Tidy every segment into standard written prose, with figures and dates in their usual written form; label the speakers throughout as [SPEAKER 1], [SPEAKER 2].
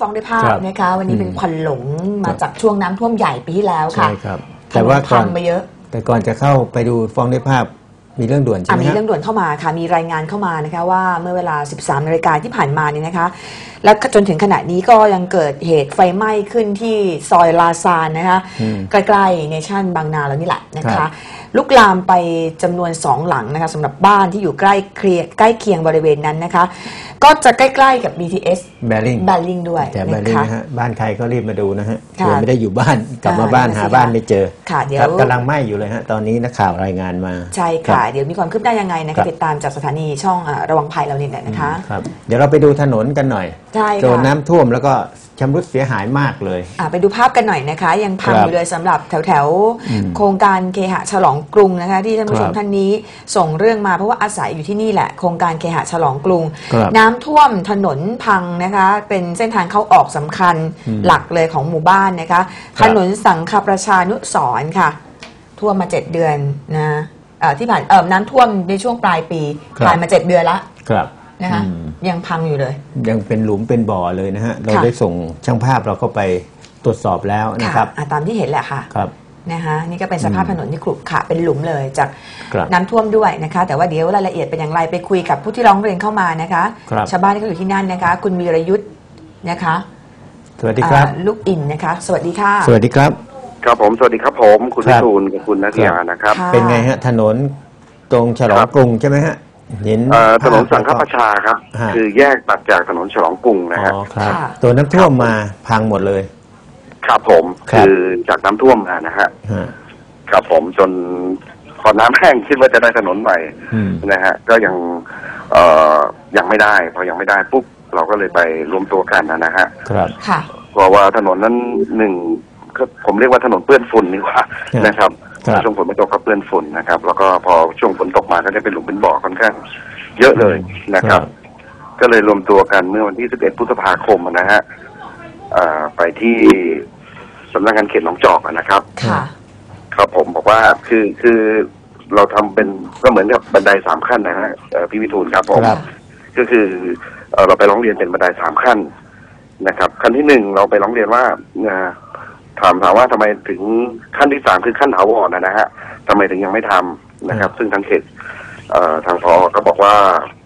[SPEAKER 1] ฟ้องด้วยภาพนะคะวันนี้เป็นควันหลงมาจากช่วงน้ำท่วมใหญ่ปีที่แล้วค่ะ
[SPEAKER 2] ใช่ครับแต่ว่า
[SPEAKER 1] พังไปเยอะ
[SPEAKER 2] แต่ก่อนจะเข้าไปดูฟ้องด้วยภาพมีเรื่องด่วนใช่ไหม
[SPEAKER 1] มีเรื่องด่วนเข้ามาค่ะมีรายงานเข้ามานะคะว่าเมื่อเวลา 13 นาฬิกาที่ผ่านมาเนี่ยนะคะและจนถึงขณะนี้ก็ยังเกิดเหตุไฟไหม้ขึ้นที่ซอยลาซานนะคะใกล้ๆเนชั่นบางนาแล้วนี่แหละนะคะลุกลามไปจำนวน2หลังนะคะสำหรับบ้านที่อยู่ใกล้เคียงบริเวณนั้นนะคะก็จะใกล้ๆกับ BTS แบริ่งด้วย
[SPEAKER 2] แต่แบริ่งนะฮะบ้านใครก็รีบมาดูนะฮะเดี๋ยวไม่ได้อยู่บ้านกลับมาบ้านหาบ้านไม่เจอ
[SPEAKER 1] ค่ะเดี๋ยว
[SPEAKER 2] กำลังไหม้อยู่เลยฮะตอนนี้นักข่าวรายงานมา
[SPEAKER 1] ใช่ค่ะเดี๋ยวมีความคืบหน้ายังไงนะคะติดตามจากสถานีช่องระวังภัยเราเนี่ยนะคะ
[SPEAKER 2] ครับเดี๋ยวเราไปดูถนนกันหน่อยโดนน้ำท่วมแล้วก็ชำรุดเสียหายมากเลย
[SPEAKER 1] ไปดูภาพกันหน่อยนะคะยังพังอยู่เลยสำหรับแถวโครงการเคหะฉลองกรุงนะคะที่ท่านผู้ชมท่านนี้ส่งเรื่องมาเพราะว่าอาศัยอยู่ที่นี่แหละโครงการเคหะฉลองกรุงน้ำท่วมถนนพังนะคะเป็นเส้นทางเข้าออกสำคัญหลักเลยของหมู่บ้านนะคะถนนสังฆประชานุสรณ์ค่ะท่วมมา7 เดือนนะที่ผ่านน้ำท่วมในช่วงปลายปีผ่านมา7 เดือนละนะคะยังพังอยู่เลย
[SPEAKER 2] ยังเป็นหลุมเป็นบ่อเลยนะฮะเราได้ส่งช่างภาพเราก็ไปตรวจสอบแล้วนะครับ
[SPEAKER 1] ตามที่เห็นแหละค่ะ
[SPEAKER 2] ครับ
[SPEAKER 1] นะคะนี่ก็เป็นสภาพถนนที่ขรุขระเป็นหลุมเลยจากน้ำท่วมด้วยนะคะแต่ว่าเดี๋ยวรายละเอียดเป็นอย่างไรไปคุยกับผู้ที่ร้องเรียนเข้ามานะคะชาวบ้านที่เขาอยู่ที่นั่นนะคะคุณวีรยุทธ์นะคะ
[SPEAKER 2] สวัสดีครับ
[SPEAKER 1] ลูกอินนะคะสวัสดีค่ะ
[SPEAKER 2] สวัสดีครับ
[SPEAKER 3] ครับผมสวัสดีครับผมคุณวิทูลกับคุณนัทยานะครับ
[SPEAKER 2] เป็นไงฮะถนนตรงฉลองกรุงใช่ไหมฮะเห็น
[SPEAKER 3] ถนนสังฆประชาครับคือแยกตัดจากถนนฉลองกรุงนะฮะ
[SPEAKER 2] ตัวน้ำท่วมมาพังหมดเลย
[SPEAKER 3] ครับผมคือจากน้ำท่วมมานะฮะครับผมจนพอน้ำแห้งคิดว่าจะได้ถนนใหม่นะฮะก็ยังไม่ได้พอยังไม่ได้ปุ๊บเราก็เลยไปรวมตัวกันนะฮะ
[SPEAKER 2] ครับ
[SPEAKER 3] เพราะว่าถนนนั้นผมเรียกว่าถนนเปื้อนฝุ่นนี่ว่านะครับช่วงฝนไม่ตกก็เปื้อนฝุ่นนะครับแล้วก็พอช่วงฝนตกมาก็จะเป็นหลุมเป็นบ่อค่อนข้างเยอะเลยนะครับก็เลยรวมตัวกันเมื่อวันที่11 พฤษภาคมนะฮะไปที่สำนักงานเขตหนองจอกนะครับครับผมบอกว่าคือเราทำเป็นก็เหมือนกับบันได3 ขั้นนะฮะพี่วิทูลครับผมก็คือเราไปร้องเรียนเป็นบันได3 ขั้นนะครับขั้นที่1เราไปร้องเรียนว่าถามว่าทำไมถึงขั้นที่3คือขั้นถาวรนะฮะทำไมถึงยังไม่ทำนะครับซึ่งทางเขตทางพอก็บอกว่า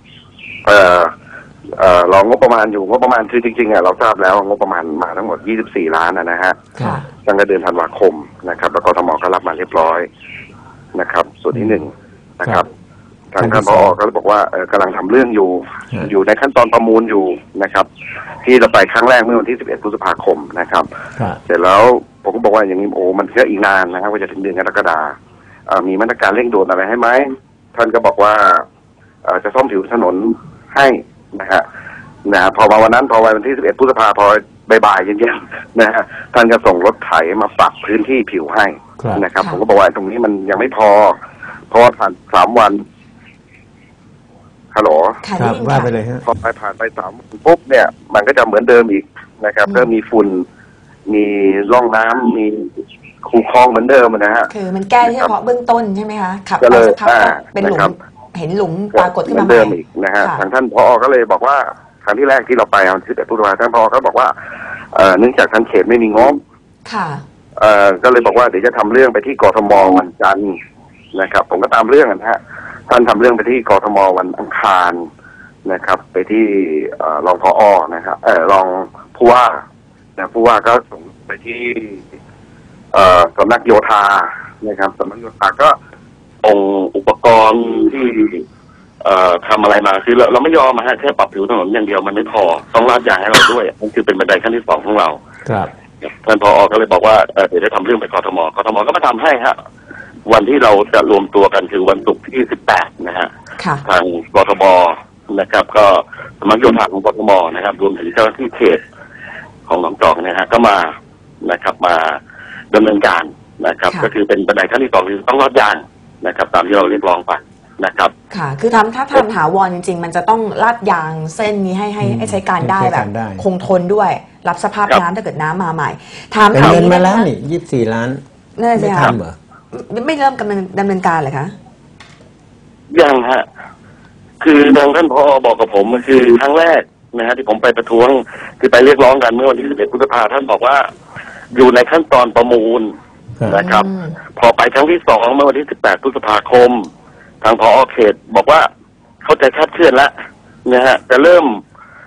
[SPEAKER 3] รองบประมาณอยู่งบประมาณคือจริงๆเราทราบแล้วงบประมาณมาทั้งหมด24 ล้านนะฮะตั้งแต่เดือนธันวาคมนะครับแล้วก็ทมก็รับมาเรียบร้อยนะครับส่วนที่1นะครับทางท่านผอ.ก็บอกว่ากำลังทำเรื่องอยู่ในขั้นตอนประมูลอยู่นะครับที่เราไปครั้งแรกเมื่อวันที่11 พฤษภาคมนะครับเสร็จแล้วผมก็บอกว่าอย่างนี้มันก็อีกนานนะครับว่าจะถึงเดือนกรกฎาคมมีมาตรการเร่งด่วนอะไรให้ไหมท่านก็บอกว่าจะซ่อมผิวถนนให้นะฮะพอมาวันนั้นพอวันที่11 พฤษภาคมพอบ่ายๆเย็นๆนะฮะท่านก็ส่งรถไถมาปรับพื้นที่ผิวให้นะครับผมก็บอกว่าตรงนี้มันยังไม่พอเพราะว่าผ่าน3 วันฮัลโหล
[SPEAKER 2] ครับว่าไปเลยฮะ
[SPEAKER 3] พอผ่านไป3 วันปุ๊บเนี่ยมันก็จะเหมือนเดิมอีกนะครับเริ่มมีฝุ่นมีร่องน้ำมีคูคลองเหมือนเดิมนะฮะ
[SPEAKER 1] คือมันแก้เฉพาะเบื้องต้นใช่ไหมคะขับไปสักพักเป็นหลุมเห็นหลุมปรากฏขึ้นมา
[SPEAKER 3] เดิมอีกนะฮะทางท่านผอ.ก็เลยบอกว่าครั้งที่แรกที่เราไปวันที่11 พฤษภาคมท่านผอ.ก็บอกว่าเนื่องจากทางเขตไม่มีงบก็เลยบอกว่าเดี๋ยวจะทำเรื่องไปที่กทม.วันจันทร์นะครับผมก็ตามเรื่องนะฮะท่านทำเรื่องไปที่กทม.วันอังคารนะครับไปที่รองผอ.นะครับรองผู้ว่าผู้ว่าก็ส่งไปที่สำนักโยธานะครับสำนักโยธาก็องอุปกรณ์ที่ทำอะไรมาคือเราไม่ยอมแค่ปรับผิวถนนอย่างเดียวมันไม่พอต้องลาดยางให้เราด้วยนั่นคือเป็นบันไดขั้นที่2ของเรา
[SPEAKER 2] ครับ
[SPEAKER 3] ท่านผอ.ก็เลยบอกว่าเดี๋ยวจะทำเรื่องไปกทม.ก็มาทำให้ฮะวันที่เราจะรวมตัวกันคือวันศุกร์ที่18นะฮะทางกทม.นะครับก็สำนักโยธาของกทม.นะครับรวมถึงเจ้าหน้าที่เขตของหนองจอกนะฮะก็มานะครับมาดำเนินการนะครับก็คือเป็นบันไดขั้นที่2คือต้องลาดยางนะครับตามที่เราเรียกร้องไปนะครับ
[SPEAKER 1] ค่ะคือถ้าทำถาวรจริงๆมันจะต้องลาดยางเส้นนี้ให้ใช้การได้แบบคงทนด้วยรับสภาพน้ำถ้าเกิดน้ำมาใหม่
[SPEAKER 2] ถามเงินมาแล้วนี่24 ล้าน
[SPEAKER 1] ไม่ทำเหรอไม่เริ่มดำเนินการเลยคะ
[SPEAKER 3] ยังฮะคือทางท่านผอ.บอกกับผมคือครั้งแรกนะฮะที่ผมไปประท้วงคือไปเรียกร้องกันเมื่อวันที่11 พฤษภาท่านบอกว่าอยู่ในขั้นตอนประมูลนะครับพอไปครั้งที่2เมื่อวันที่18 พฤษภาคมทางผอ.เขตบอกว่าเข้าใจคาดเคลื่อนแล้วนะฮะจะเริ่ม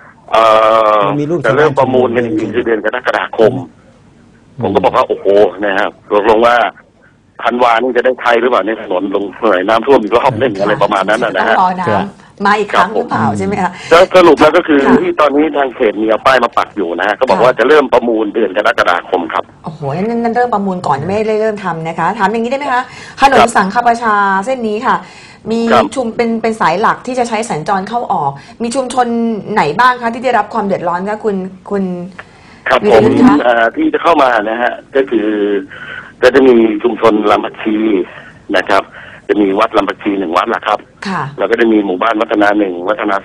[SPEAKER 3] ประมูลกันจริงๆคือเดือนกรกฎาคมผมก็บอกว่าโอ้โหนะครับตกลงว่าธันวานี่จะได้ไทยหรือเปล่าในถนนลงหน่อยน้ำท่วมอีกรอบนึงอะไรประมาณนั้นนะฮะ
[SPEAKER 1] รอน้ำมาอีกครั้งหรือเปล่าใช่ไหมคะ
[SPEAKER 3] สรุปแล้วก็คือที่ตอนนี้ทางเขตมีเอาป้ายมาปักอยู่นะฮะก็บอกว่าจะเริ่มประมูลเดือนกรกฎาคมครับ
[SPEAKER 1] โอ้โหนั่นเริ่มประมูลก่อนไม่ได้เริ่มทำนะคะถามอย่างนี้ได้ไหมคะถนนสังขประชาเส้นนี้ค่ะมีชุมเป็นสายหลักที่จะใช้สัญจรเข้าออกมีชุมชนไหนบ้างคะที่ได้รับความเดือดร้อนคะคุณ
[SPEAKER 3] ครับผมที่จะเข้ามานะฮะก็คือก็จะมีชุมชนลำพักชีนะครับจะมีวัดลำพักชี1 วัดละครับแล้วก็จะมีหมู่บ้านวัฒนา1วัฒนา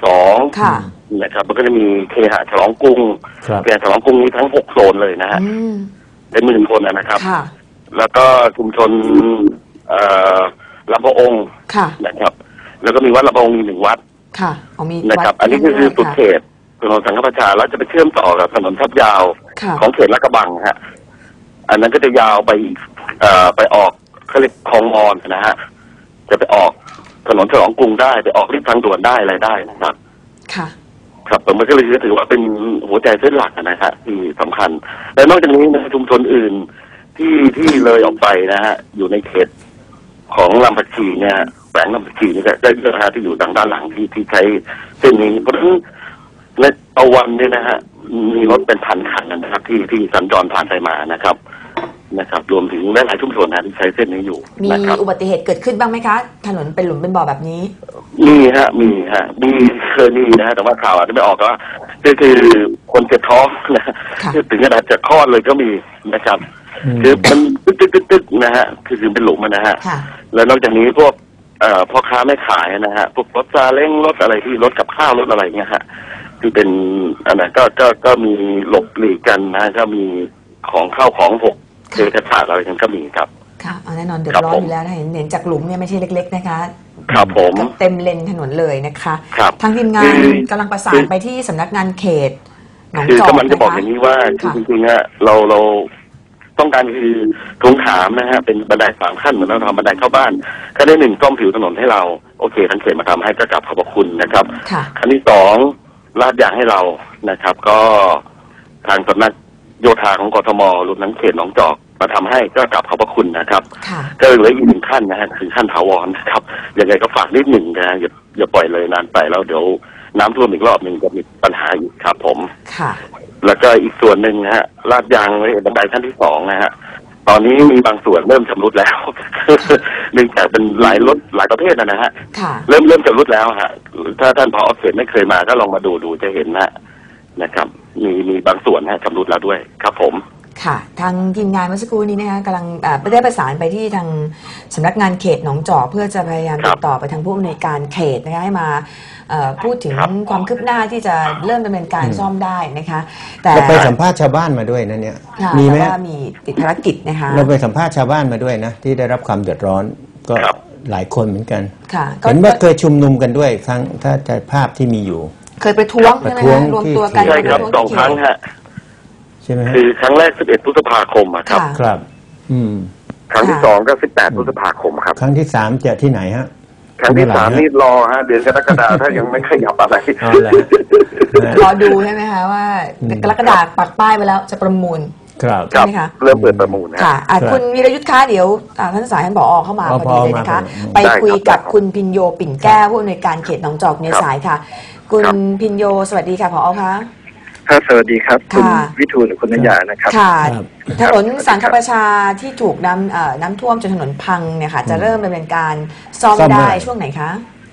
[SPEAKER 3] 2นะครับแล้วก็จะมีเคหะฉลองกรุงเคหะฉลองกรุงนี้ทั้ง6โซนเลยนะฮะเป็น10,000 คนนะครับแล้วก็ชุมชนลำพะองค์นะครับแล้วก็มีวัดลำพะองค์1 วัดนะครับอันนี้คือสุดเขตถนนสังขประชาแล้วจะไปเชื่อมต่อกับถนนทับยาวของเขตลาดกระบังฮะอันนั้นก็จะยาวไปออกเขาเรียกคลองมอนนะฮะจะไปออกถนนฉลองกรุงได้ไปออกริมทางด่วนได้อะไรได้นะครับครับผมก็เลยถือว่าเป็นหัวใจเส้นหลักนะฮะที่สำคัญและนอกจากนี้นะชุมชนอื่นที่เลยออกไปนะฮะอยู่ในเขตของลำพักชีเนี่ยแฝงลำพักชีนี่ได้เยอะฮะที่อยู่ทางด้านหลังที่ใช้เส้นนี้เพราะฉะนั้นในต่อวันเนี่ยนะฮะมีรถเป็นพันคันนะครับที่สัญจรผ่านไปมานะครับรวมถึงหลายชุมชนนะที่ใช้เส้นนี้อยู่
[SPEAKER 1] มีอุบัติเหตุเกิดขึ้นบ้างไหมคะถนนเป็นหลุมเป็นบ่อแบบนี้
[SPEAKER 3] มีเคยมีนะฮะแต่ว่าข่าวอาจจะไม่ออกว่าก็คือคนเจ็บท้องนะถึงขนาดจะคลอดเลยก็มีนะครับคือมันตึ๊กนะฮะคือเป็นหลุมนะฮะแล้วนอกจากนี้พวกพ่อค้าแม่ขายนะฮะพวกรถซาเล้งรถอะไรที่รถกับข้าวรถอะไรเงี้ยฮะที่เป็นอันนั้นก็มีหลบหลีกกันนะก็มีของข้าวของพวกเศษขาดอะไรกันก็มีครับ
[SPEAKER 1] ค่ะแน่นอนเดือดร้อนอยู่แล้วนะเห็นจากหลุมเนี่ยไม่ใช่เล็กๆนะคะ
[SPEAKER 3] ครับผม
[SPEAKER 1] เต็มเลนถนนเลยนะคะทางทีมงานกำลังประสานไปที่สำนักงานเขตหนองจอก
[SPEAKER 3] คือมันจะบอกอย่างนี้ว่าจริงๆเราต้องการคือทวงถามนะฮะเป็นบันได3 ขั้นเหมือนเราทำบันไดเข้าบ้านขั้นที่1ซ่อมผิวถนนให้เราโอเคทางเขตมาทำให้ก็กลับขอบพระคุณนะครับขั้นที่2ลาดยางให้เรานะครับก็ทางสำนักโยธาของกทมรวมทั้งเขตหนองจอกมาทำให้ก็กลับขอบพระคุณนะครับก็เหลืออีก1 ขั้นนะฮะคือขั้นถาวรนะครับยังไงก็ฝากนิดหนึ่งนะอย่าปล่อยเลยนานไปแล้วเดี๋ยวน้ำท่วมอีกรอบหนึ่งจะมีปัญหาอีกครับผมแล้วก็อีกส่วนหนึ่งนะฮะลาดยางไว้บันไดขั้นที่2นะฮะตอนนี้มีบางส่วนเริ่มชำรุดแล้วเนื่องจากเป็นหลายรถหลายประเภทนะฮะเริ่มชำรุดแล้วฮะถ้าท่านผอ.เขตไม่เคยมาก็ลองมาดูจะเห็นนะครับมีบางส่วนนะชำรุดแล้วด้วยครับผม
[SPEAKER 1] ค่ะทางทีมงานเมื่อสักครู่นี้นะคะกำลังได้ประสานไปที่ทางสำนักงานเขตหนองจอกเพื่อจะพยายามติดต่อไปทางผู้อำนวยการเขตนะคะให้มาพูดถึงความคืบหน้าที่จะเริ่มดำเนินการซ่อมได้นะคะ
[SPEAKER 2] แต่เราไปสัมภาษณ์ชาวบ้านมาด้วยนะเนี่ย
[SPEAKER 1] มีไหมมีติดภารกิจนะคะ
[SPEAKER 2] เราไปสัมภาษณ์ชาวบ้านมาด้วยนะที่ได้รับความเดือดร้อนก็หลายคนเหมือนกันเห็นว่าเคยชุมนุมกันด้วยครั้งถ้าจะภาพที่มีอยู่
[SPEAKER 1] เคยประท้วงใช่ไหมคะรวมตัวกัน
[SPEAKER 3] ใช่ครับ2 ครั้งฮะ
[SPEAKER 2] ใช่ไหม
[SPEAKER 3] คือครั้งแรก11 พฤษภาคมครับครั้งที่2ก็18 พฤษภาคมครับ
[SPEAKER 2] ครั้งที่3จะที่ไหนฮะ
[SPEAKER 3] ครั้งที่3นี่รอฮะเดือนกรกฎาคมถ้ายังไม่ขยับอะไร
[SPEAKER 1] รอดูใช่ไหมคะว่ากรกฎาคมปักป้ายไปแล้วจะประมูล
[SPEAKER 2] ใช่
[SPEAKER 3] ไหมคะเริ่มเปิดประมูล
[SPEAKER 1] ค่ะคุณวีรยุทธ์คะเดี๋ยวท่านสายท่านผอ.เข้ามาพอดีเลยนะคะไปคุยกับคุณพิญโยปิ่นแก้วผู้อำนวยการเขตหนองจอกในสายค่ะคุณพิญโยสวัสดีค่ะผอ.คะ
[SPEAKER 4] ค่ะสวัสดีครับคุณวิทูลหรือคุณนยานะครับ
[SPEAKER 1] ค่ะถนนสังขประชาที่ถูกน้ำท่วมจนถนนพังเนี่ยค่ะจะเริ่มดำเนินการซ่อมได้ช่วงไหนคะ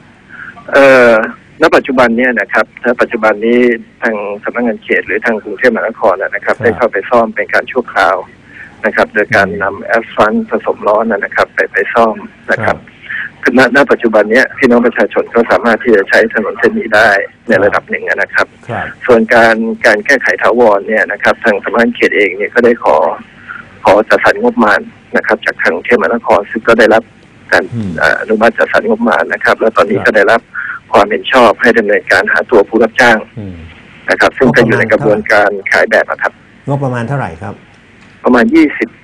[SPEAKER 4] ณปัจจุบันเนี่ยนะครับณปัจจุบันนี้ทางสำนักงานเขตหรือทางกรุงเทพมหานครนะครับได้เข้าไปซ่อมเป็นการชั่วคราวนะครับโดยการนำแอสฟัลต์ผสมร้อนนะครับไปซ่อมนะครับณปัจจุบันนี้พี่น้องประชาชนก็สามารถที่จะใช้ถนนเส้นนี้ได้ในระดับหนึ่งนะครับส่วนการแก้ไขถาวรเนี่ยนะครับทางสำนักงานเขตเองเนี่ยก็ได้ขอจัดสรรงบประมาณนะครับจากทางกรุงเทพมหานครซึ่งก็ได้รับการอนุมัติจัดสรรงบประมาณนะครับแล้วตอนนี้ก็ได้รับความเห็นชอบให้ดำเนินการหาตัวผู้รับจ้างนะครับซึ่งก็อยู่ในกระบวนการขายแบบนะครับ
[SPEAKER 2] งบประมาณเท่าไหร่ครับ
[SPEAKER 4] ประมาณ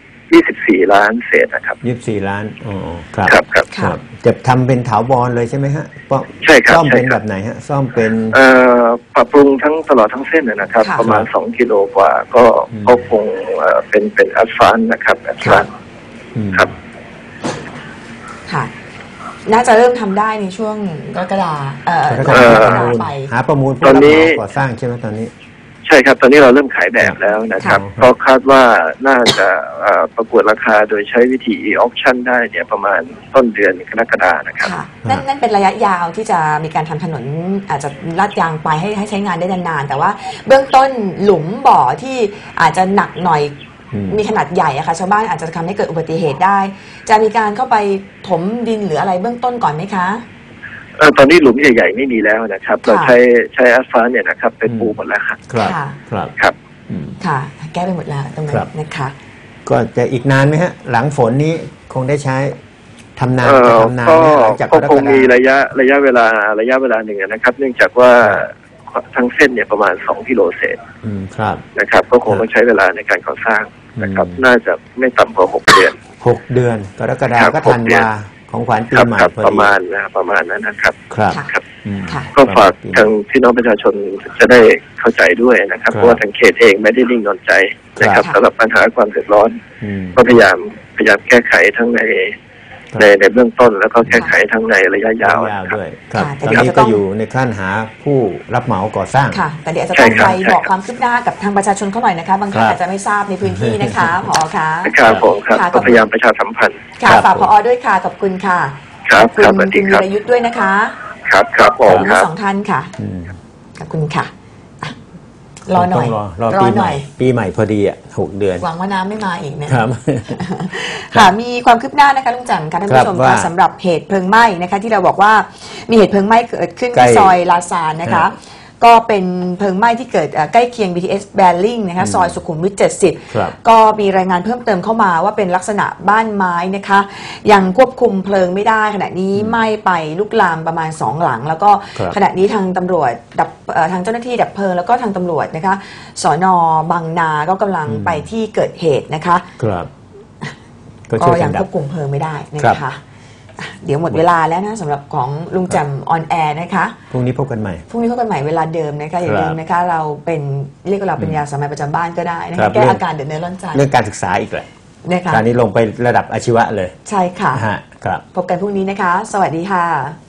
[SPEAKER 4] 24 ล้านเศษนะครับ
[SPEAKER 2] 24 ล้านอ๋อครับ
[SPEAKER 4] ครับ
[SPEAKER 2] จะทำเป็นถาวรเลยใช่ไหมฮะ
[SPEAKER 4] ใช่ครับ
[SPEAKER 2] ซ่อมเป็นแบบไหนฮะซ่อมเป็น
[SPEAKER 4] ปรับปรุงทั้งตลอดทั้งเส้นนะครับประมาณ2 กิโลกว่าก็คงเป็นอัสฟัลนะครับอัสฟัลครับ
[SPEAKER 1] ค่ะน่าจะเริ่มทำได้ในช่วงกรกฎาไป
[SPEAKER 2] หาประมูลผู้รับเหมาก่อสร้างใช่ไหมตอนนี้
[SPEAKER 4] ใช่ครับตอนนี้เราเริ่มขายแบบแล้วนะครับก็คาดว่าน่าจะประกวดราคาโดยใช้วิธี e-auction ได้เนี่ยประมาณต้นเดือนกรกฎาคมนะครับ
[SPEAKER 1] นั่นเป็นระยะยาวที่จะมีการทำถนนอาจจะลาดยางไปให้ใช้งานได้นานๆแต่ว่าเบื้องต้นหลุมบ่อที่อาจจะหนักหน่อยมีขนาดใหญ่อะค่ะชาวบ้านอาจจะทำให้เกิดอุบัติเหตุได้จะมีการเข้าไปถมดินหรืออะไรเบื้องต้นก่อนไหมคะ
[SPEAKER 4] ตอนนี้หลุมใหญ่ๆไม่มีแล้วนะครับเราใช้อัสฟัลต์เนี่ยนะครับเป็นปูหมดแล้วครับครับ
[SPEAKER 1] ค่ะแก้ไปหมดแล้วตรงนั้นนะคะ
[SPEAKER 2] ก็จะอีกนานไหมฮะหลังฝนนี้คงได้ใช้ทำนาน
[SPEAKER 4] ก็คงมีระยะเวลาหนึ่งนะครับเนื่องจากว่าทั้งเส้นเนี่ยประมาณ2 กิโลเศษนะครับก็คงต้องใช้เวลาในการก่อสร้างนะครับน่าจะไม่ต่ำกว่า6 เดือน
[SPEAKER 2] กรกฎาคมก็ธันวาของขวัญปีใหม่
[SPEAKER 4] ประมาณนั้นนะครับ
[SPEAKER 2] ครับ
[SPEAKER 4] ก็ฝากทางพี่น้องประชาชนจะได้เข้าใจด้วยนะครับเพราะว่าทางเขตเองไม่ได้นิ่งนอนใจนะครับสำหรับปัญหาความเดือดร้อนก็พยายามแก้ไขทั้งในเบื้องต้นแล้วก็แก้ไขทั้งในระยะยาว
[SPEAKER 2] ด้วยครับตอนนี้ก็อยู่ในขั้นหาผู้รับเหมาก่อสร้าง
[SPEAKER 1] ค่ะแต่เดี๋ยวจะต้องไปบอกความคืบหน้ากับทางประชาชนเขาหน่อยนะคะบางท่านอาจจะไม่ทราบในพื้นที่นะคะผอค่ะ
[SPEAKER 4] ครับผมครับก็พยายามประชาสัมพันธ์
[SPEAKER 1] ค่ะฝากผอด้วยค่ะขอบคุณค่ะ
[SPEAKER 4] ครับ
[SPEAKER 1] คุณวีรยุทธ์ด้วยนะคะ
[SPEAKER 4] ครับผม
[SPEAKER 1] ทั้ง2 ท่านค่ะขอบคุณค่ะรอหน่อย
[SPEAKER 2] ปีใหม่พอดีอ่ะ6 เดือน
[SPEAKER 1] หวังว่าน้ำไม่มาอีกนะครับค่ะมีความคืบหน้านะคะลุงจันทร์ค่ะท่านผู้ชมค่ะสำหรับเหตุเพลิงไหม้นะคะที่เราบอกว่ามีเหตุเพลิงไหม้เกิดขึ้นที่ซอยลาซานนะคะก็เป็นเพลิงไหม้ที่เกิดใกล้เคียง BTS แบริ่งนะคะซอยสุขุมวิท 70ก็มีรายงานเพิ่มเติมเข้ามาว่าเป็นลักษณะบ้านไม้นะคะยังควบคุมเพลิงไม่ได้ขณะนี้ไหม้ไปลุกลามประมาณ2 หลังแล้วก็ขณะนี้ทางตำรวจทางเจ้าหน้าที่ดับเพลิงแล้วก็ทางตำรวจนะคะสน.บางนาก็กำลังไปที่เกิดเหตุนะคะก็ยังควบคุมเพลิงไม่ได้นะคะเดี๋ยวหมดเวลาแล้วนะสำหรับของลุงแจ่มออนแอร์นะคะ
[SPEAKER 2] พรุ่งนี้พบกันใหม่
[SPEAKER 1] เวลาเดิมนะคะอย่าลืมนะคะเราเรียกว่าเราเป็นยาสามัญประจำบ้านก็ได้นะคะแก้อาการเดือดเนื้อร้อนใจ
[SPEAKER 2] เรื่องการศึกษาอีกเลยนะคะตอนนี้ลงไประดับอาชีวะเลย
[SPEAKER 1] ใช่ค่ะพบกันพรุ่งนี้นะคะสวัสดีค่ะ